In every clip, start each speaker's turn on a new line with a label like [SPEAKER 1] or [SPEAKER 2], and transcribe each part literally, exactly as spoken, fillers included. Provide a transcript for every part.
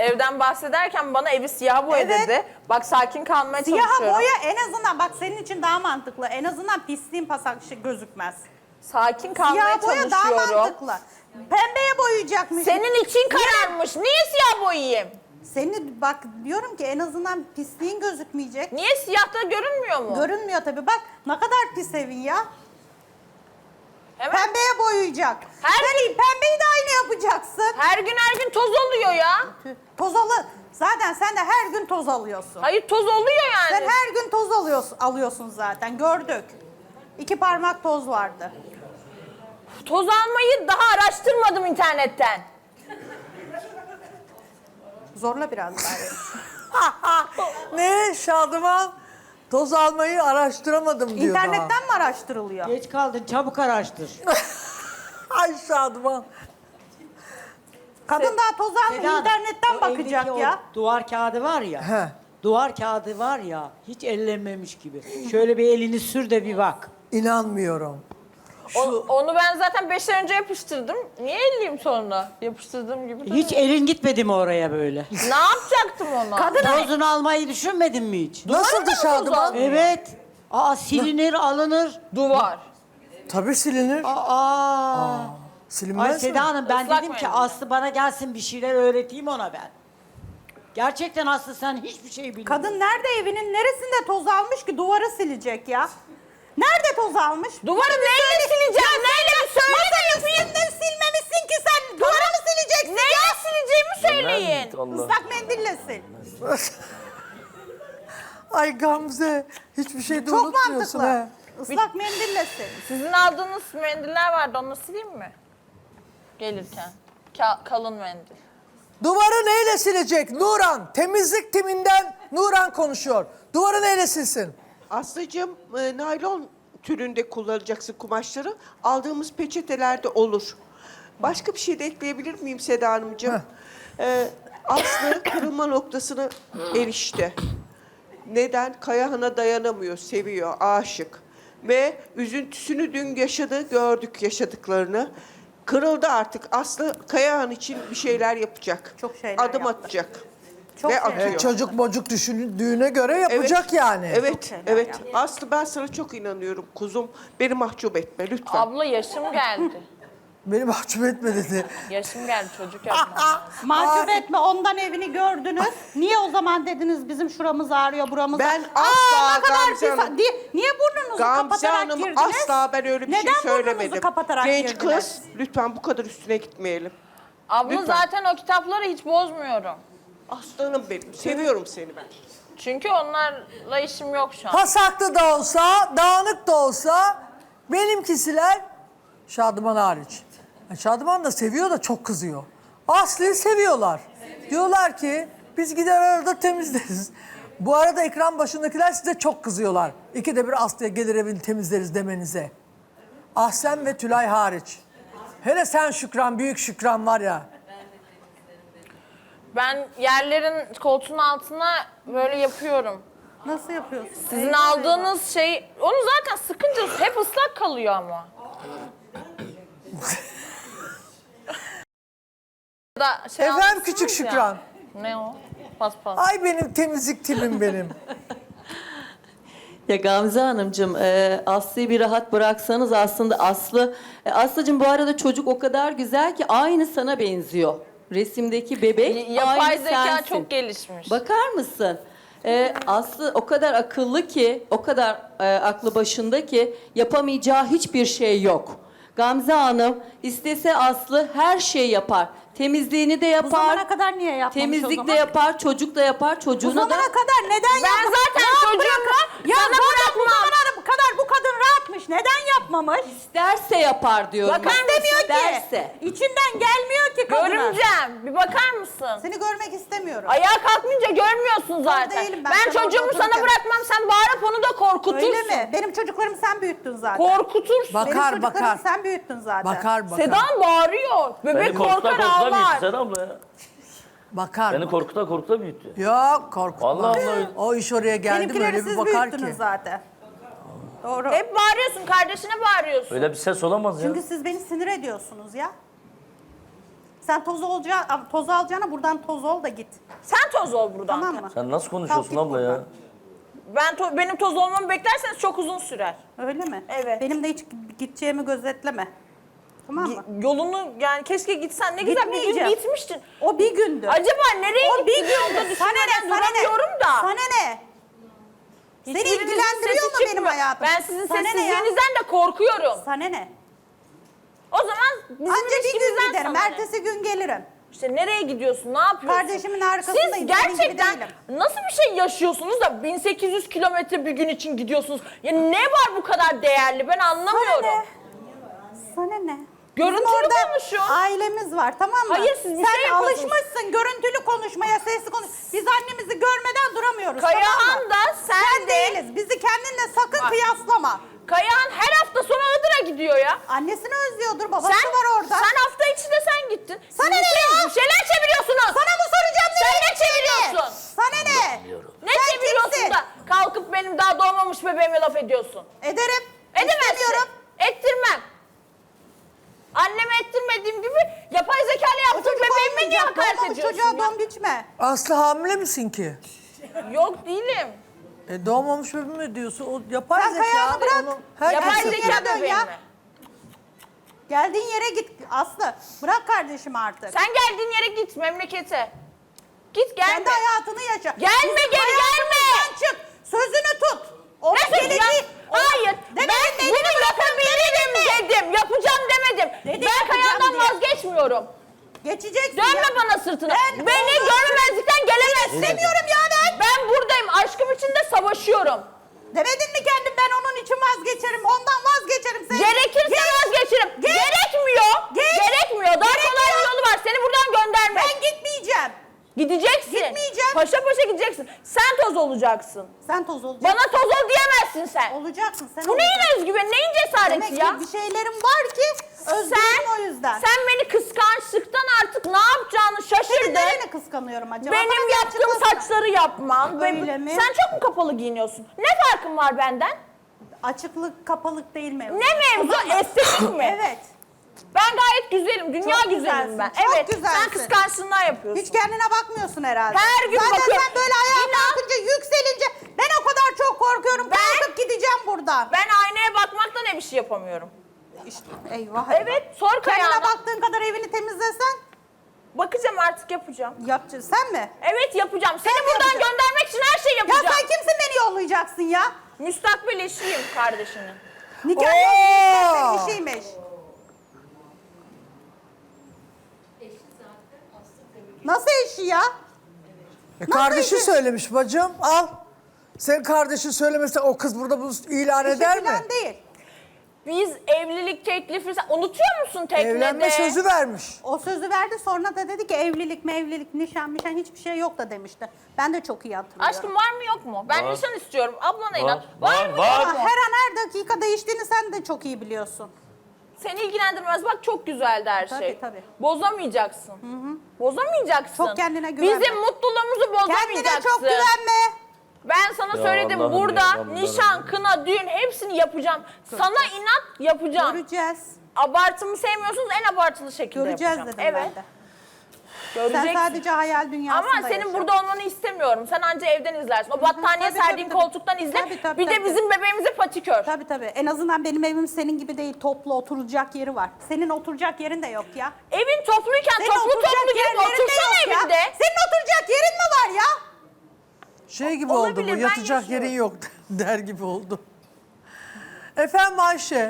[SPEAKER 1] evden bahsederken bana evi siyah boya
[SPEAKER 2] Evet.
[SPEAKER 1] dedi. Bak sakin kalmaya
[SPEAKER 2] Siyaha
[SPEAKER 1] çalışıyorum.
[SPEAKER 2] boya en azından bak senin için daha mantıklı. En azından pisliğin pasak şey gözükmez.
[SPEAKER 1] Sakin kalmaya
[SPEAKER 2] Siyah boya daha
[SPEAKER 1] çalışıyorum.
[SPEAKER 2] mantıklı. Pembeye boyayacakmış.
[SPEAKER 1] Senin için kararmış. Niye siyah boyayayım?
[SPEAKER 2] Seni bak diyorum ki en azından pisliğin gözükmeyecek.
[SPEAKER 1] Niye siyahta görünmüyor mu?
[SPEAKER 2] Görünmüyor tabii. Bak ne kadar pis evin ya.
[SPEAKER 1] Hemen
[SPEAKER 2] Pembeye boyayacak.
[SPEAKER 1] Her
[SPEAKER 2] Sen pembeyi de aynı yapacaksın.
[SPEAKER 1] her gün her gün toz oluyor ya.
[SPEAKER 2] Toz alı. Zaten sen de her gün toz alıyorsun.
[SPEAKER 1] Hayır toz oluyor yani.
[SPEAKER 2] Sen her gün toz alıyorsun, alıyorsun zaten. Gördük. İki parmak toz vardı.
[SPEAKER 1] Toz almayı daha araştırmadım internetten.
[SPEAKER 2] Zorla biraz bari.
[SPEAKER 3] Ne Şadıman? Toz almayı araştıramadım diyor
[SPEAKER 2] İnternetten mi araştırılıyor?
[SPEAKER 4] Geç kaldın, çabuk araştır.
[SPEAKER 3] daha. Ay Şadıman.
[SPEAKER 2] Kadın daha toz almıyor,
[SPEAKER 4] Seda Hanım,
[SPEAKER 2] internetten
[SPEAKER 4] o
[SPEAKER 2] bakacak
[SPEAKER 4] evdeki
[SPEAKER 2] ya.
[SPEAKER 4] O duvar kağıdı var ya.
[SPEAKER 3] He.
[SPEAKER 4] Duvar kağıdı var ya, hiç ellenmemiş gibi. Şöyle bir elini sür de bir bak.
[SPEAKER 3] İnanmıyorum.
[SPEAKER 1] O- onu ben zaten beş ay önce yapıştırdım. Niye elliyim sonra? Yapıştırdığım gibi.
[SPEAKER 4] Hiç elin gitmedi mi oraya böyle?
[SPEAKER 1] Ne yapacaktım ona?
[SPEAKER 2] Kadın
[SPEAKER 4] Tozunu almayı düşünmedin mi hiç?
[SPEAKER 3] Nasıldı Şadıman?
[SPEAKER 4] Evet. Aa silinir, alınır.
[SPEAKER 1] Duvar.
[SPEAKER 3] Tabii silinir.
[SPEAKER 4] Aa.
[SPEAKER 3] Silinmez
[SPEAKER 4] Ay
[SPEAKER 3] mi?
[SPEAKER 4] Seda Hanım ben
[SPEAKER 1] Islak
[SPEAKER 4] dedim ki
[SPEAKER 1] mendil.
[SPEAKER 4] Aslı bana gelsin bir şeyler öğreteyim ona ben. Gerçekten Aslı sen hiçbir şey bilmiyorsun.
[SPEAKER 2] Kadın nerede evinin neresinde toz almış ki duvarı silecek ya? Nerede toz almış?
[SPEAKER 1] Duvarı neyle sileceğim? Neyle bir söyle de yapayım.
[SPEAKER 2] Üstünde silmemişsin ki sen. Duvarı mı sileceksin
[SPEAKER 1] Neyle
[SPEAKER 2] ya?
[SPEAKER 1] sileceğimi söyleyin.
[SPEAKER 2] Islak mendille sil.
[SPEAKER 3] Ay Gamze hiçbir şey de
[SPEAKER 2] Çok
[SPEAKER 3] unutmuyorsun
[SPEAKER 2] mantıklı.
[SPEAKER 3] he.
[SPEAKER 2] Islak mendille sil.
[SPEAKER 1] Sizin aldığınız mendiller vardı. Onu sileyim mi? Gelirken. Ka- kalın mendil.
[SPEAKER 3] Duvarı neyle silecek Nuran? Temizlik timinden Nuran konuşuyor. Duvarı neyle silsin?
[SPEAKER 5] Aslıcığım, e, naylon türünde kullanacaksın kumaşları. Aldığımız peçetelerde olur. Başka bir şey de ekleyebilir miyim Seda Hanımcığım? Ee, Aslı kırılma noktasına erişti. Neden? Kayahan'a dayanamıyor, seviyor, aşık. Ve üzüntüsünü dün yaşadı, gördük yaşadıklarını. Kırıldı artık. Aslı Kayahan için bir şeyler yapacak.
[SPEAKER 2] Çok şeyler
[SPEAKER 5] Adım
[SPEAKER 2] yaptı.
[SPEAKER 5] atacak.
[SPEAKER 2] Çok
[SPEAKER 5] Ve
[SPEAKER 2] şeyler.
[SPEAKER 5] atıyor.
[SPEAKER 3] E, çocuk mocuk düşündüğüne göre yapacak yani.
[SPEAKER 5] Evet,
[SPEAKER 2] şeyler
[SPEAKER 5] evet.
[SPEAKER 2] yaptı.
[SPEAKER 5] Aslı ben sana çok inanıyorum kuzum. Beni mahcup etme lütfen.
[SPEAKER 1] Abla yaşım geldi.
[SPEAKER 3] Beni mahcup etme dedi.
[SPEAKER 1] Yaşım geldi çocuk yapmam.
[SPEAKER 2] Mahcup etme ondan evini gördünüz. Niye o zaman dediniz bizim şuramız ağrıyor buramız
[SPEAKER 5] Ben
[SPEAKER 2] ağrıyor.
[SPEAKER 5] asla
[SPEAKER 2] ne kadar
[SPEAKER 5] Gamze
[SPEAKER 2] pis-
[SPEAKER 5] Hanım-
[SPEAKER 2] Di- Niye burnunuzu
[SPEAKER 5] Gamze
[SPEAKER 2] kapatarak
[SPEAKER 5] Hanım
[SPEAKER 2] girdiniz?
[SPEAKER 5] asla ben öyle bir
[SPEAKER 2] Neden
[SPEAKER 5] şey söylemedim.
[SPEAKER 2] burnunuzu kapatarak
[SPEAKER 5] Genç
[SPEAKER 2] girdiniz?
[SPEAKER 5] kız lütfen bu kadar üstüne gitmeyelim.
[SPEAKER 1] Abla
[SPEAKER 5] Lütfen.
[SPEAKER 1] zaten o kitapları hiç bozmuyorum.
[SPEAKER 5] Aslanım benim. Seviyorum seni ben.
[SPEAKER 1] Çünkü onlarla işim yok şu an.
[SPEAKER 3] Pasaklı da olsa, dağınık da olsa benimkisiler Şadıman hariç. Yani Şadıman da seviyor da çok kızıyor. Aslı'yı seviyorlar. Diyorlar ki biz gider arada temizleriz. Bu arada ekran başındakiler size çok kızıyorlar. İkide bir Aslı'ya gelir evini temizleriz demenize. Ahsen ve Tülay hariç. Hele sen Şükran, büyük Şükran var ya.
[SPEAKER 1] Ben yerlerin koltuğun altına böyle yapıyorum.
[SPEAKER 2] Nasıl yapıyorsun?
[SPEAKER 1] Sizin aldığınız şey, onu zaten sıkınca hep ıslak kalıyor ama. Da şey
[SPEAKER 3] Efendim
[SPEAKER 1] almışsınız
[SPEAKER 3] küçük
[SPEAKER 1] ya.
[SPEAKER 3] Şükran.
[SPEAKER 1] Ne o? Paspas.
[SPEAKER 3] Ay benim temizlik timim benim.
[SPEAKER 6] Ya Gamze Hanımcığım, e, Aslı'yı bir rahat bıraksanız aslında Aslı... E, Aslı'cığım bu arada çocuk o kadar güzel ki aynı sana benziyor. Resimdeki bebek
[SPEAKER 1] Yapay
[SPEAKER 6] aynı
[SPEAKER 1] zeka
[SPEAKER 6] sensin.
[SPEAKER 1] çok gelişmiş.
[SPEAKER 6] Bakar mısın? E, Aslı o kadar akıllı ki, o kadar e, aklı başında ki yapamayacağı hiçbir şey yok. Gamze Hanım istese Aslı her şeyi yapar. Temizliğini de
[SPEAKER 2] Bu
[SPEAKER 6] yapar.
[SPEAKER 2] zamana kadar niye yapmamış o
[SPEAKER 6] Temizlik
[SPEAKER 2] zaman?
[SPEAKER 6] de yapar, çocuk da yapar,
[SPEAKER 2] Bu
[SPEAKER 6] çocuğuna da...
[SPEAKER 2] zamana kadar neden
[SPEAKER 1] Ben
[SPEAKER 2] yapmamış?
[SPEAKER 1] zaten
[SPEAKER 2] Ya
[SPEAKER 1] çocuğumu
[SPEAKER 2] bırakın. Ya
[SPEAKER 1] sana
[SPEAKER 2] zaten bu
[SPEAKER 1] bırakmam.
[SPEAKER 2] zamana kadar bu kadın rahatmış. Neden yapmamış?
[SPEAKER 6] İsterse yapar diyorum.
[SPEAKER 1] Bakar
[SPEAKER 6] ben.
[SPEAKER 1] mısın?
[SPEAKER 2] İstemiyor
[SPEAKER 6] İsterse.
[SPEAKER 2] ki. İçinden gelmiyor ki kadına.
[SPEAKER 1] Görümcem, bir bakar mısın?
[SPEAKER 2] Seni görmek istemiyorum.
[SPEAKER 1] Ayağa kalkmayınca görmüyorsun zaten.
[SPEAKER 2] değilim ben,
[SPEAKER 1] ben
[SPEAKER 2] sen
[SPEAKER 1] çocuğumu
[SPEAKER 2] orada
[SPEAKER 1] sana
[SPEAKER 2] otururken.
[SPEAKER 1] bırakmam, sen bağırıp onu da korkutursun.
[SPEAKER 2] Öyle mi? Benim çocuklarımı sen büyüttün zaten.
[SPEAKER 1] Korkutursun.
[SPEAKER 3] Bak-
[SPEAKER 2] Benim
[SPEAKER 3] Bakar,
[SPEAKER 2] çocuklarımı
[SPEAKER 3] bakar.
[SPEAKER 2] sen büyüttün zaten.
[SPEAKER 3] Bakar bakar.
[SPEAKER 1] Sedan bağırıyor. Bebek
[SPEAKER 7] Beni korkuta
[SPEAKER 1] korkar
[SPEAKER 7] korkuta büyüttü
[SPEAKER 1] ağlar.
[SPEAKER 7] Seda abla ya.
[SPEAKER 3] Bakar.
[SPEAKER 7] Beni korkuta korkuta büyüttü.
[SPEAKER 3] Yok korkutma.
[SPEAKER 7] Vallahi Allah-
[SPEAKER 3] O iş oraya geldi
[SPEAKER 2] Benimkileri
[SPEAKER 3] böyle bir
[SPEAKER 2] siz
[SPEAKER 3] bakar
[SPEAKER 2] büyüttünüz
[SPEAKER 3] ki.
[SPEAKER 2] zaten. Doğru.
[SPEAKER 1] Hep bağırıyorsun, kardeşine bağırıyorsun.
[SPEAKER 7] Öyle bir ses olamaz ya.
[SPEAKER 2] Çünkü siz beni sinir ediyorsunuz ya. Sen toz olacağı, toz alacağına buradan toz ol da git.
[SPEAKER 1] Sen toz ol buradan.
[SPEAKER 2] Tamam mı?
[SPEAKER 7] Sen nasıl konuşuyorsun
[SPEAKER 2] Kalk git
[SPEAKER 7] abla ya?
[SPEAKER 2] buradan.
[SPEAKER 1] Ben to- benim toz olmamı beklerseniz çok uzun sürer.
[SPEAKER 2] Öyle mi?
[SPEAKER 1] Evet.
[SPEAKER 2] Benim de hiç gideceğimi gözetleme. Tamam mı?
[SPEAKER 1] Yolunu yani keşke gitsen ne güzel bir gün
[SPEAKER 2] Gitmeyeceğim.
[SPEAKER 1] gitmiştin.
[SPEAKER 2] O bir gündü.
[SPEAKER 1] Acaba nereye
[SPEAKER 2] O bir
[SPEAKER 1] gittin yolda
[SPEAKER 2] gündü. Sana ne?
[SPEAKER 1] düşünmeden
[SPEAKER 2] Sana ne?
[SPEAKER 1] duramıyorum da.
[SPEAKER 2] Sana ne? Seni
[SPEAKER 1] Hiçbirinizin
[SPEAKER 2] ilgilendiriyor
[SPEAKER 1] sesi
[SPEAKER 2] mu benim
[SPEAKER 1] çıkmıyor.
[SPEAKER 2] hayatım?
[SPEAKER 1] Ben sizin
[SPEAKER 2] Sana ne ya?
[SPEAKER 1] sessizliğinizden de korkuyorum.
[SPEAKER 2] Sana ne?
[SPEAKER 1] O zaman bizim
[SPEAKER 2] Anca bir gün
[SPEAKER 1] ilişkimizden
[SPEAKER 2] giderim.
[SPEAKER 1] sana ne?
[SPEAKER 2] Ertesi gün gelirim.
[SPEAKER 1] İşte nereye gidiyorsun, ne yapıyorsun?
[SPEAKER 2] Kardeşimin arkasındayım,
[SPEAKER 1] Siz
[SPEAKER 2] senin gibi
[SPEAKER 1] gerçekten
[SPEAKER 2] değilim.
[SPEAKER 1] nasıl bir şey yaşıyorsunuz da bin sekiz yüz kilometre bir gün için gidiyorsunuz? Ya ne var bu kadar değerli ben anlamıyorum.
[SPEAKER 2] Sana ne? Sana ne?
[SPEAKER 1] Görüntülü
[SPEAKER 2] Bizim orada
[SPEAKER 1] konuşun.
[SPEAKER 2] ailemiz var, tamam mı?
[SPEAKER 1] Hayır, siz bir
[SPEAKER 2] Sen
[SPEAKER 1] şey yapıyorsunuz.
[SPEAKER 2] alışmışsın görüntülü konuşmaya, sesli konuş. Biz annemizi görmeden duramıyoruz, tamam
[SPEAKER 1] Kayahan
[SPEAKER 2] mı?
[SPEAKER 1] da sen,
[SPEAKER 2] Sen
[SPEAKER 1] de.
[SPEAKER 2] değiliz. Bizi kendinle sakın kıyaslama.
[SPEAKER 1] Kayahan her hafta sonu Iğdır'a gidiyor ya.
[SPEAKER 2] Annesini özlüyordur, babası
[SPEAKER 1] Sen,
[SPEAKER 2] var orada.
[SPEAKER 1] sen hafta içi de sen gittin.
[SPEAKER 2] Sana
[SPEAKER 1] Siz
[SPEAKER 2] ne
[SPEAKER 1] bir şey-
[SPEAKER 2] ya?
[SPEAKER 1] Bir şeyler çeviriyorsunuz.
[SPEAKER 2] Sana mı soracağım?
[SPEAKER 1] Sen
[SPEAKER 2] nereye
[SPEAKER 1] ne
[SPEAKER 2] gittiğini?
[SPEAKER 1] çeviriyorsun?
[SPEAKER 2] Sana ne?
[SPEAKER 1] Ne
[SPEAKER 2] Sen
[SPEAKER 1] çeviriyorsun
[SPEAKER 2] kimsin?
[SPEAKER 1] da kalkıp benim daha doğmamış bebeğime laf ediyorsun?
[SPEAKER 2] Ederim.
[SPEAKER 1] Edemezsin.
[SPEAKER 2] İstemiyorum.
[SPEAKER 1] Ettirmem. Anneme ettirmediğim gibi yapay zeka ile
[SPEAKER 2] O
[SPEAKER 1] yaptığım
[SPEAKER 2] çocuk
[SPEAKER 1] bebeğime niye
[SPEAKER 2] olmayacak.
[SPEAKER 1] hakaret
[SPEAKER 2] Doğmamış
[SPEAKER 1] ediyorsun
[SPEAKER 2] çocuğa
[SPEAKER 1] ya?
[SPEAKER 2] don biçme.
[SPEAKER 3] Aslı hamile misin ki?
[SPEAKER 1] Yok değilim.
[SPEAKER 3] E doğmamış bebeğim mi diyorsun? O yapay
[SPEAKER 2] Sen
[SPEAKER 3] zeka.
[SPEAKER 2] Kayağını bırak.
[SPEAKER 3] onu herkes
[SPEAKER 1] Yapay
[SPEAKER 2] Erkek
[SPEAKER 3] yapıyor.
[SPEAKER 1] zeka
[SPEAKER 2] yere dön
[SPEAKER 1] bebeğim
[SPEAKER 2] ya.
[SPEAKER 1] mi?
[SPEAKER 2] Geldiğin yere git Aslı. Bırak kardeşim artık.
[SPEAKER 1] Sen geldiğin yere git memlekete. Git gelme.
[SPEAKER 2] Kendi hayatını yaşa.
[SPEAKER 1] Gelme,
[SPEAKER 2] Bizim
[SPEAKER 1] geri
[SPEAKER 2] hayatımızdan
[SPEAKER 1] gelme.
[SPEAKER 2] çık. Sözünü tut. Onun
[SPEAKER 1] Ne sözü ya?
[SPEAKER 2] geleceği-
[SPEAKER 1] Hayır.
[SPEAKER 2] Demedin
[SPEAKER 1] Ben
[SPEAKER 2] mi?
[SPEAKER 1] bunu
[SPEAKER 2] Elini
[SPEAKER 1] yapabilirim dedim. Yapacağım demedim.
[SPEAKER 2] Dedi,
[SPEAKER 1] ben
[SPEAKER 2] yapacağım
[SPEAKER 1] Kayahan'dan
[SPEAKER 2] diye.
[SPEAKER 1] vazgeçmiyorum.
[SPEAKER 2] Geçeceksin
[SPEAKER 1] Dönme
[SPEAKER 2] ya.
[SPEAKER 1] bana sırtını.
[SPEAKER 2] Ben
[SPEAKER 1] Beni
[SPEAKER 2] onu-
[SPEAKER 1] görmemezlikten gelemezsin.
[SPEAKER 2] İstemiyorum ya ben.
[SPEAKER 1] Ben buradayım. Aşkım için de savaşıyorum.
[SPEAKER 2] Demedin mi kendim ben onun için vazgeçerim. Ondan vazgeçerim. Sen
[SPEAKER 1] Gerekirse
[SPEAKER 2] Geç.
[SPEAKER 1] vazgeçirim.
[SPEAKER 2] Geç.
[SPEAKER 1] Gerekmiyor.
[SPEAKER 2] Geç.
[SPEAKER 1] Gerekmiyor. Daha kolay bir
[SPEAKER 2] Gerekmiyor.
[SPEAKER 1] yolu var. Seni buradan göndermek.
[SPEAKER 2] Ben gitmeyeceğim.
[SPEAKER 1] Gideceksin.
[SPEAKER 2] Gitmeyeceğim.
[SPEAKER 1] Paşa paşa gideceksin. Sen toz olacaksın.
[SPEAKER 2] Sen toz olacaksın.
[SPEAKER 1] Bana toz ol diyemezsin sen.
[SPEAKER 2] Olacaksın sen.
[SPEAKER 1] Bu neyin
[SPEAKER 2] olacaksın.
[SPEAKER 1] özgüveni, neyin cesareti
[SPEAKER 2] Demek
[SPEAKER 1] ya?
[SPEAKER 2] ki bir şeylerim var ki özgürüm o yüzden.
[SPEAKER 1] Sen beni kıskançlıktan artık ne yapacağını
[SPEAKER 2] Senin
[SPEAKER 1] şaşırdın.
[SPEAKER 2] nereni kıskanıyorum acaba?
[SPEAKER 1] Benim
[SPEAKER 2] Bana bir
[SPEAKER 1] yaptığım
[SPEAKER 2] açıklasana.
[SPEAKER 1] saçları yapman. ve-
[SPEAKER 2] Öyle mi?
[SPEAKER 1] Sen çok mu kapalı giyiniyorsun? Ne farkın var benden?
[SPEAKER 2] Açıklık kapalılık değil mevzu.
[SPEAKER 1] Ne mevzu?
[SPEAKER 2] Tamam mı?
[SPEAKER 1] Estetik mi?
[SPEAKER 2] Evet.
[SPEAKER 1] Ben gayet güzelim. Dünya
[SPEAKER 2] Çok
[SPEAKER 1] güzelim
[SPEAKER 2] güzelsin,
[SPEAKER 1] ben.
[SPEAKER 2] çok
[SPEAKER 1] Evet.
[SPEAKER 2] güzelsin.
[SPEAKER 1] Sen kıskançlığından yapıyorsun.
[SPEAKER 2] Hiç kendine bakmıyorsun herhalde.
[SPEAKER 1] Her gün
[SPEAKER 2] Zaten
[SPEAKER 1] bakıyorum.
[SPEAKER 2] sen böyle ayağa
[SPEAKER 1] İnan-
[SPEAKER 2] kalkınca, yükselince ben o kadar çok korkuyorum.
[SPEAKER 1] Ben-
[SPEAKER 2] Kalkıp gideceğim buradan.
[SPEAKER 1] Ben aynaya bakmakla ne bir şey yapamıyorum.
[SPEAKER 2] İşte, eyvah.
[SPEAKER 1] Evet. Sor
[SPEAKER 2] Kendine
[SPEAKER 1] Kayahan'a.
[SPEAKER 2] baktığın kadar evini temizlesen
[SPEAKER 1] Bakacağım artık yapacağım.
[SPEAKER 2] yapacaksın. Sen mi?
[SPEAKER 1] Evet yapacağım. Seni
[SPEAKER 2] Sen mi
[SPEAKER 1] buradan
[SPEAKER 2] yapacaksın?
[SPEAKER 1] göndermek için her şeyi
[SPEAKER 2] Ya
[SPEAKER 1] yapacağım.
[SPEAKER 2] sen kimsin beni yollayacaksın ya?
[SPEAKER 1] Müstakbel eşiyim kardeşinin.
[SPEAKER 2] Nikah
[SPEAKER 3] Oo!
[SPEAKER 2] yok. Sen işiymiş. Nasıl eşi ya?
[SPEAKER 3] E kardeşi
[SPEAKER 2] işi?
[SPEAKER 3] söylemiş bacım. Al. Senin kardeşin söylemese o kız burada bunu ilan
[SPEAKER 2] Eşi
[SPEAKER 3] eder mi?
[SPEAKER 2] falan değil.
[SPEAKER 1] Biz evlilik teklifi... Sen unutuyor musun teknede?
[SPEAKER 3] Evlenme sözü vermiş.
[SPEAKER 2] O sözü verdi sonra da dedi ki evlilik mevlilik nişan mişan hiçbir şey yok da demişti. Ben de çok iyi hatırlıyorum.
[SPEAKER 1] Aşkım var mı yok mu? Ben
[SPEAKER 7] Var.
[SPEAKER 1] nişan istiyorum. Ablana
[SPEAKER 7] Var,
[SPEAKER 1] inan. Var,
[SPEAKER 7] var,
[SPEAKER 1] mı
[SPEAKER 7] var.
[SPEAKER 1] yok
[SPEAKER 2] Ama
[SPEAKER 1] mu?
[SPEAKER 2] her an her dakika değiştiğini sen de çok iyi biliyorsun.
[SPEAKER 1] Seni ilgilendirmez. Bak çok güzeldi her
[SPEAKER 2] Tabii,
[SPEAKER 1] şey.
[SPEAKER 2] tabii.
[SPEAKER 1] Bozamayacaksın. Bozamayacaksın.
[SPEAKER 2] Çok kendine güvenme.
[SPEAKER 1] Bizim mutluluğumuzu bozamayacaksın.
[SPEAKER 2] Kendine çok güvenme.
[SPEAKER 1] Ben sana
[SPEAKER 7] Ya
[SPEAKER 1] söyledim
[SPEAKER 7] Allah'ım
[SPEAKER 1] burada
[SPEAKER 7] ya, Rabbim
[SPEAKER 1] nişan,
[SPEAKER 7] Rabbim.
[SPEAKER 1] kına, düğün hepsini yapacağım. Sana inat yapacağım.
[SPEAKER 2] Göreceğiz.
[SPEAKER 1] Abartımı sevmiyorsunuz en abartılı şekilde
[SPEAKER 2] Göreceğiz
[SPEAKER 1] yapacağım.
[SPEAKER 2] dedim
[SPEAKER 1] Evet.
[SPEAKER 2] ben de.
[SPEAKER 1] Göreceksin.
[SPEAKER 2] Sen sadece hayal dünyasında
[SPEAKER 1] Ama senin
[SPEAKER 2] yaşa.
[SPEAKER 1] burada olmanı istemiyorum. Sen anca evden izlersin. O battaniye
[SPEAKER 2] tabii,
[SPEAKER 1] serdiğin
[SPEAKER 2] tabii, tabii.
[SPEAKER 1] koltuktan izle.
[SPEAKER 2] Tabii, tabii,
[SPEAKER 1] bir de
[SPEAKER 2] tabii.
[SPEAKER 1] bizim bebeğimize patikör.
[SPEAKER 2] Tabii tabii. En azından benim evim senin gibi değil. Toplu oturacak yeri var. Senin oturacak yerin de yok ya.
[SPEAKER 1] Evin topluyken
[SPEAKER 2] Senin
[SPEAKER 1] toplu
[SPEAKER 2] oturacak
[SPEAKER 1] toplu gidip
[SPEAKER 2] yerlerin de
[SPEAKER 1] otursana
[SPEAKER 2] yok ya.
[SPEAKER 1] evinde.
[SPEAKER 2] Senin oturacak yerin mi var ya?
[SPEAKER 3] Şey gibi
[SPEAKER 1] Olabilir,
[SPEAKER 3] oldu bu.
[SPEAKER 1] ben
[SPEAKER 3] Yatacak
[SPEAKER 1] yaşıyorum.
[SPEAKER 3] yerin yok der gibi oldu. Efendim Ayşe.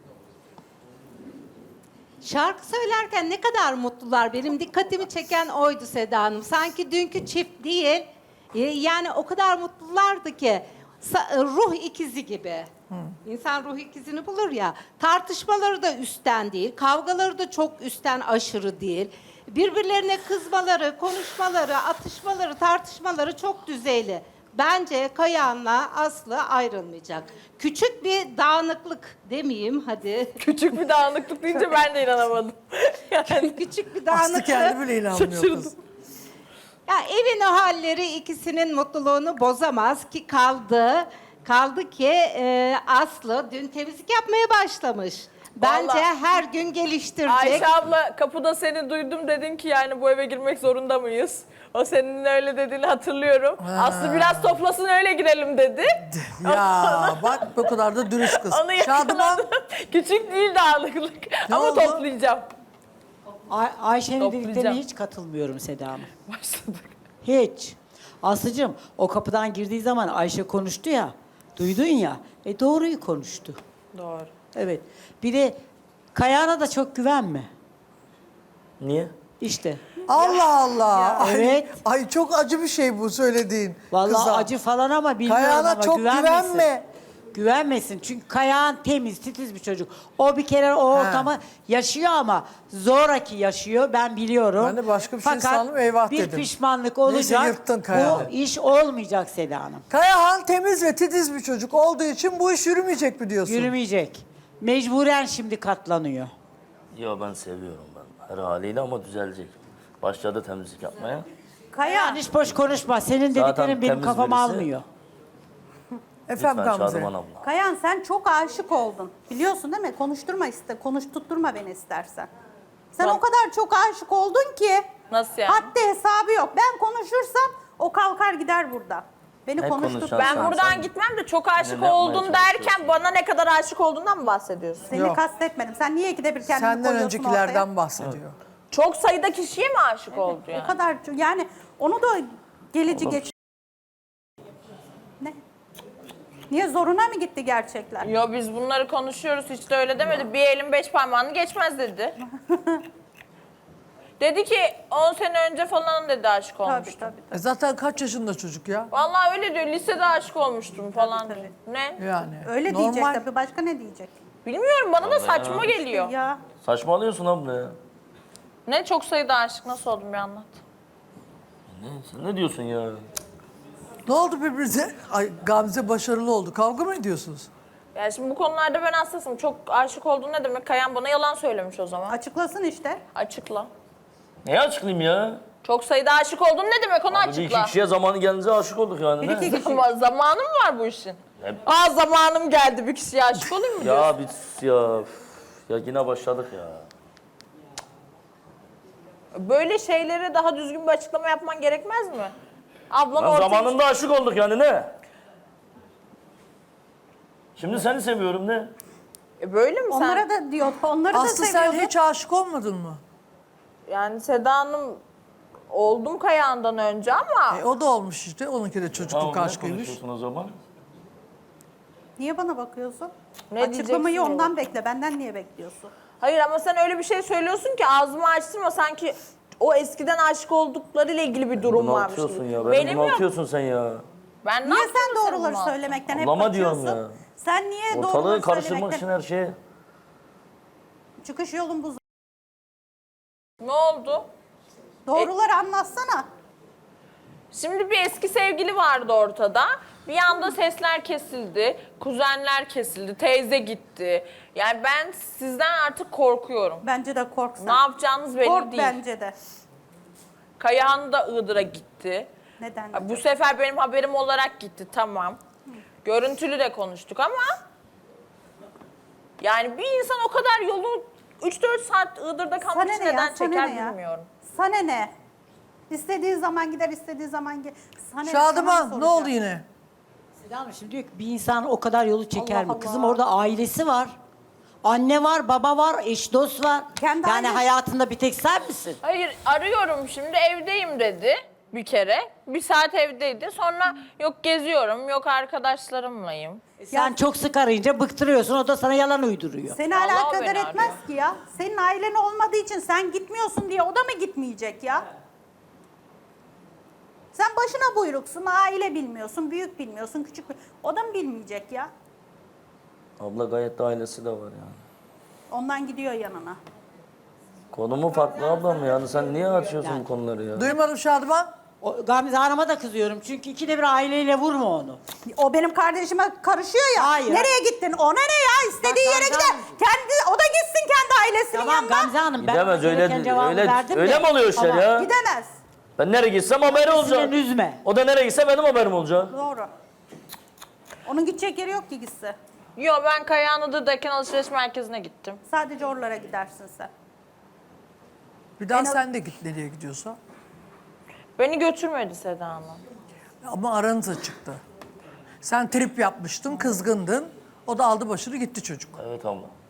[SPEAKER 8] Şarkı söylerken ne kadar mutlular. Benim dikkatimi çeken oydu Seda Hanım. Sanki dünkü çift değil. e, Yani o kadar mutlulardı ki. sa- Ruh ikizi gibi. İnsan ruh ikizini bulur ya. Tartışmaları da üstten değil. Kavgaları da çok üstten aşırı değil. Birbirlerine kızmaları, konuşmaları, atışmaları, tartışmaları çok düzeyli. Bence Kayahan'la Aslı ayrılmayacak. Küçük bir dağınıklık demeyeyim hadi.
[SPEAKER 1] Küçük bir dağınıklık deyince ben de inanamadım.
[SPEAKER 8] Yani küçük bir
[SPEAKER 3] Aslı
[SPEAKER 8] dağınıklık.
[SPEAKER 3] kendi bile inanmıyor kız.
[SPEAKER 8] Ya evin o halleri ikisinin mutluluğunu bozamaz ki kaldı. Kaldı ki e, Aslı dün temizlik yapmaya başlamış. Bence
[SPEAKER 1] Vallahi-
[SPEAKER 8] her gün geliştirecek.
[SPEAKER 1] Ayşe abla kapıda seni duydum, dedin ki yani bu eve girmek zorunda mıyız? O senin öyle dediğini hatırlıyorum. Aslı biraz toplasın öyle girelim dedi.
[SPEAKER 3] Ya bak bu kadar da dürüst kız.
[SPEAKER 1] Onu
[SPEAKER 3] Şadıman
[SPEAKER 1] yakaladım. Küçük değil dağınıklık.
[SPEAKER 3] Ne
[SPEAKER 1] Ama
[SPEAKER 3] oldu?
[SPEAKER 1] toplayacağım.
[SPEAKER 4] Ay- Ayşe'nin
[SPEAKER 1] Toplayacağım.
[SPEAKER 4] dediklerine hiç katılmıyorum Seda Hanım.
[SPEAKER 1] Başladık.
[SPEAKER 4] Hiç. Aslıcığım o kapıdan girdiği zaman Ayşe konuştu ya. Duydun ya. E doğruyu konuştu.
[SPEAKER 1] Doğru.
[SPEAKER 4] Evet. Bir de Kayahan'a da çok güvenme.
[SPEAKER 7] Niye?
[SPEAKER 4] İşte.
[SPEAKER 3] Allah Allah. Ay,
[SPEAKER 4] Evet.
[SPEAKER 3] Ay çok acı bir şey bu söylediğin.
[SPEAKER 4] Vallahi
[SPEAKER 3] kıza.
[SPEAKER 4] acı falan ama bilmiyorum
[SPEAKER 3] Kayağına
[SPEAKER 4] ama
[SPEAKER 3] çok
[SPEAKER 4] güvenmesin.
[SPEAKER 3] güvenme.
[SPEAKER 4] Güvenmesin. Çünkü Kayahan temiz, titiz bir çocuk. O bir kere o ortamı yaşıyor ama zoraki yaşıyor. Ben biliyorum.
[SPEAKER 3] Ben de başka bir şey
[SPEAKER 4] Fakat
[SPEAKER 3] sandım, eyvah
[SPEAKER 4] bir
[SPEAKER 3] dedim.
[SPEAKER 4] pişmanlık
[SPEAKER 3] Neyse,
[SPEAKER 4] olacak.
[SPEAKER 3] yırttın Kayahan'ı.
[SPEAKER 4] Bu iş olmayacak Seda Hanım.
[SPEAKER 3] Kayahan temiz ve titiz bir çocuk olduğu için bu iş yürümeyecek mi diyorsun?
[SPEAKER 4] Yürümeyecek. Mecburen şimdi katlanıyor.
[SPEAKER 7] Ya ben seviyorum ben. Her haliyle ama düzelecek. Başladı temizlik yapmaya.
[SPEAKER 4] Kayahan hiç boş konuşma. Senin
[SPEAKER 7] Zaten
[SPEAKER 4] dediklerin benim
[SPEAKER 7] temiz
[SPEAKER 4] kafamı
[SPEAKER 7] birisi.
[SPEAKER 4] almıyor.
[SPEAKER 3] Efendim
[SPEAKER 7] Lütfen
[SPEAKER 3] Gamze.
[SPEAKER 7] Şadıman abla.
[SPEAKER 2] Kayan sen çok aşık oldun. Biliyorsun değil mi? Konuşturma iste, konuşturtturma beni istersen. Sen
[SPEAKER 1] Ben-
[SPEAKER 2] o kadar çok aşık oldun ki.
[SPEAKER 1] Nasıl yani?
[SPEAKER 2] Haddi hesabı yok. Ben konuşursam o kalkar gider burada. Beni
[SPEAKER 7] Ne
[SPEAKER 2] konuşturt.
[SPEAKER 7] konuşacaksın?
[SPEAKER 1] Ben
[SPEAKER 7] Sen-
[SPEAKER 1] buradan
[SPEAKER 7] sen-
[SPEAKER 1] gitmem de çok aşık
[SPEAKER 7] Ne yapmaya
[SPEAKER 1] oldum derken
[SPEAKER 7] çalışıyorsun?
[SPEAKER 1] bana ne kadar aşık olduğundan mı bahsediyorsun?
[SPEAKER 2] Seni
[SPEAKER 3] Yok.
[SPEAKER 2] kastetmedim. Sen niye ikide bir kendini
[SPEAKER 3] Senden
[SPEAKER 2] koyuyorsun
[SPEAKER 3] öncekilerden
[SPEAKER 2] ortaya?
[SPEAKER 3] bahsediyor.
[SPEAKER 1] Çok sayıda kişiye mi aşık oldu yani?
[SPEAKER 2] O kadar yani onu da gelici geç. Ne? Niye zoruna mı gitti gerçekler?
[SPEAKER 1] Yo biz bunları konuşuyoruz, hiç de öyle demedi. Bir elin beş parmağını geçmez dedi. Dedi ki on sene önce falan dedi aşık
[SPEAKER 2] Tabii
[SPEAKER 1] olmuştum.
[SPEAKER 2] tabii.
[SPEAKER 3] E zaten kaç yaşında çocuk ya?
[SPEAKER 1] Vallahi öyle diyor, lisede aşık olmuştum falan diyor. Ne?
[SPEAKER 3] Yani.
[SPEAKER 2] Öyle
[SPEAKER 3] normal.
[SPEAKER 2] diyecek tabii. Başka ne diyecek?
[SPEAKER 1] Bilmiyorum, bana da saçma geliyor.
[SPEAKER 2] Ya
[SPEAKER 7] Saçmalıyorsun abla ya.
[SPEAKER 1] Ne çok sayıda aşık, nasıl oldum bir anlat.
[SPEAKER 7] Ne, sen ne diyorsun ya?
[SPEAKER 3] Ne oldu birbirinize? Ay Gamze başarılı oldu. Kavga mı ediyorsunuz?
[SPEAKER 1] Yani şimdi bu konularda ben hassasım. Çok aşık olduğun ne demek? Kayan bana yalan söylemiş o zaman.
[SPEAKER 2] açıklasın işte.
[SPEAKER 1] Açıkla.
[SPEAKER 7] Neye açıklayayım ya?
[SPEAKER 1] Çok sayıda aşık oldun ne demek, onu
[SPEAKER 7] Bir iki
[SPEAKER 1] açıkla.
[SPEAKER 7] kişiye zamanı gelince aşık olduk yani.
[SPEAKER 2] Bir
[SPEAKER 7] ne?
[SPEAKER 2] iki kişi.
[SPEAKER 1] Ama zamanı mı var bu işin?
[SPEAKER 7] Ne-
[SPEAKER 1] Aa zamanım geldi, bir kişiye aşık olayım mı diyorsun?
[SPEAKER 7] Ya bir ya. üf, Ya yine başladık ya.
[SPEAKER 1] Böyle şeylere daha düzgün bir açıklama yapman gerekmez mi? Ablan
[SPEAKER 7] Lan
[SPEAKER 1] ortaya...
[SPEAKER 7] zamanında aşık olduk yani ne? Şimdi seni seviyorum ne?
[SPEAKER 1] E böyle mi sen?
[SPEAKER 2] Onlara da diyor. Onları da
[SPEAKER 3] Aslı sen
[SPEAKER 2] seviyordu.
[SPEAKER 3] hiç aşık olmadın mı?
[SPEAKER 1] Yani Seda Hanım oldum Kayahan'dan önce ama
[SPEAKER 3] E, o da olmuş işte. Onunki de çocukluk
[SPEAKER 7] Tamam, ne
[SPEAKER 3] aşkıymış.
[SPEAKER 7] konuşuyorsun o zaman?
[SPEAKER 2] Niye bana bakıyorsun?
[SPEAKER 1] Ne
[SPEAKER 2] Açıklamayı
[SPEAKER 1] diyeceksin
[SPEAKER 2] ondan
[SPEAKER 1] ya?
[SPEAKER 2] bekle. Benden niye bekliyorsun?
[SPEAKER 1] hayır, ama sen öyle bir şey söylüyorsun ki ağzımı açtırma, sanki o eskiden aşık olduklarıyla ilgili bir durum varmış
[SPEAKER 7] Bunaltıyorsun
[SPEAKER 1] gibi.
[SPEAKER 7] ya. Beni
[SPEAKER 1] Benim yok.
[SPEAKER 7] bunaltıyorsun sen ya.
[SPEAKER 1] Ben ne
[SPEAKER 2] Niye
[SPEAKER 1] yaptım
[SPEAKER 2] sen
[SPEAKER 1] da seni
[SPEAKER 2] doğruları
[SPEAKER 1] bunalttım?
[SPEAKER 2] söylemekten hep
[SPEAKER 7] Ablama diyorum
[SPEAKER 2] kaçıyorsun?
[SPEAKER 7] ya.
[SPEAKER 2] Sen niye
[SPEAKER 7] Ortalığı
[SPEAKER 2] doğruları
[SPEAKER 7] karıştırmak için
[SPEAKER 2] söylemekten...
[SPEAKER 7] her şeye.
[SPEAKER 2] Çıkış yolun bu.
[SPEAKER 1] Ne oldu?
[SPEAKER 2] Doğruları anlatsana.
[SPEAKER 1] Şimdi bir eski sevgili vardı ortada. Bir anda sesler kesildi, kuzenler kesildi, teyze gitti. Yani ben sizden artık korkuyorum.
[SPEAKER 2] Bence de kork sen.
[SPEAKER 1] Ne yapacağınız belli
[SPEAKER 2] Kork
[SPEAKER 1] değil.
[SPEAKER 2] bence de.
[SPEAKER 1] Kayahan da Iğdır'a gitti.
[SPEAKER 2] Neden?
[SPEAKER 1] Ha, bu sefer benim haberim olarak gitti, tamam. Görüntülü de konuştuk ama... Yani bir insan o kadar yolu üç dört saat Iğdır'da kalmak
[SPEAKER 2] Sana
[SPEAKER 1] için
[SPEAKER 2] ne ya?
[SPEAKER 1] neden
[SPEAKER 2] Sana
[SPEAKER 1] çeker
[SPEAKER 2] ne ya?
[SPEAKER 1] bilmiyorum.
[SPEAKER 2] Sana ne? İstediği zaman gider, istediği zaman gel. Sana sana mı
[SPEAKER 3] Şadıman ne
[SPEAKER 2] soracak?
[SPEAKER 3] oldu yine?
[SPEAKER 4] Seda Hanım şimdi diyor ki bir insan o kadar yolu çeker
[SPEAKER 2] Allah
[SPEAKER 4] mi? Kızım
[SPEAKER 2] Allah.
[SPEAKER 4] orada ailesi var. Anne var, baba var, eş dost var.
[SPEAKER 2] Kendi
[SPEAKER 4] yani
[SPEAKER 2] ailesi-
[SPEAKER 4] hayatında bir tek sen misin?
[SPEAKER 1] Hayır, arıyorum şimdi, evdeyim dedi bir kere. Bir saat evdeydi. Sonra yok geziyorum, yok arkadaşlarımlayım.
[SPEAKER 4] E sen çok sık arayınca bıktırıyorsun. O da sana yalan uyduruyor.
[SPEAKER 2] Seni
[SPEAKER 1] Vallahi
[SPEAKER 2] alakadar
[SPEAKER 1] beni
[SPEAKER 2] etmez
[SPEAKER 1] arıyor.
[SPEAKER 2] ki ya. Senin ailen olmadığı için sen gitmiyorsun diye o da mı gitmeyecek ya? Sen başına buyruksun, aile bilmiyorsun, büyük bilmiyorsun, küçük bil- o da mı bilmeyecek ya?
[SPEAKER 7] Abla gayet de ailesi de var yani.
[SPEAKER 2] Ondan gidiyor yanına.
[SPEAKER 7] Konumu farklı ablam yani. Sen niye açıyorsun bu konuları ya?
[SPEAKER 3] Duymadım Şadıman.
[SPEAKER 4] O, Gamze Hanım'a da kızıyorum. Çünkü ikide bir aileyle vurma onu.
[SPEAKER 2] O benim kardeşime karışıyor ya.
[SPEAKER 4] Hayır.
[SPEAKER 2] Nereye gittin? Ona ne ya? İstediği
[SPEAKER 4] Bak,
[SPEAKER 2] yere
[SPEAKER 4] Gamze
[SPEAKER 2] gider.
[SPEAKER 4] Hanım.
[SPEAKER 2] Kendi o da gitsin kendi ailesinin
[SPEAKER 4] Tamam
[SPEAKER 2] yanına.
[SPEAKER 4] Gamze Hanım ben
[SPEAKER 7] Gidemez
[SPEAKER 4] ona gereken
[SPEAKER 7] öyle
[SPEAKER 4] cevabı
[SPEAKER 7] öyle
[SPEAKER 4] verdim
[SPEAKER 7] öyle
[SPEAKER 4] de.
[SPEAKER 7] mi oluyor işler
[SPEAKER 4] Ama
[SPEAKER 7] ya?
[SPEAKER 2] Gidemez.
[SPEAKER 7] Ben nereye gitsem haberim olacak.
[SPEAKER 4] Sinirlerini üzme.
[SPEAKER 7] O da nereye gitse benim haberim olacak.
[SPEAKER 2] Doğru. Onun gidecek yeri yok ki gitse.
[SPEAKER 1] Yo, ben Kayahan Iğdır'dayken alışveriş merkezine gittim.
[SPEAKER 2] Sadece oralara gidersin sen.
[SPEAKER 3] Bir daha
[SPEAKER 2] En az-
[SPEAKER 3] sen de git nereye gidiyorsa.
[SPEAKER 1] Beni götürmedi Seda Hanım.
[SPEAKER 3] Ama aranıza çıktı. Sen trip yapmıştın, kızgındın. O da aldı başını gitti çocuk.
[SPEAKER 7] Evet abla.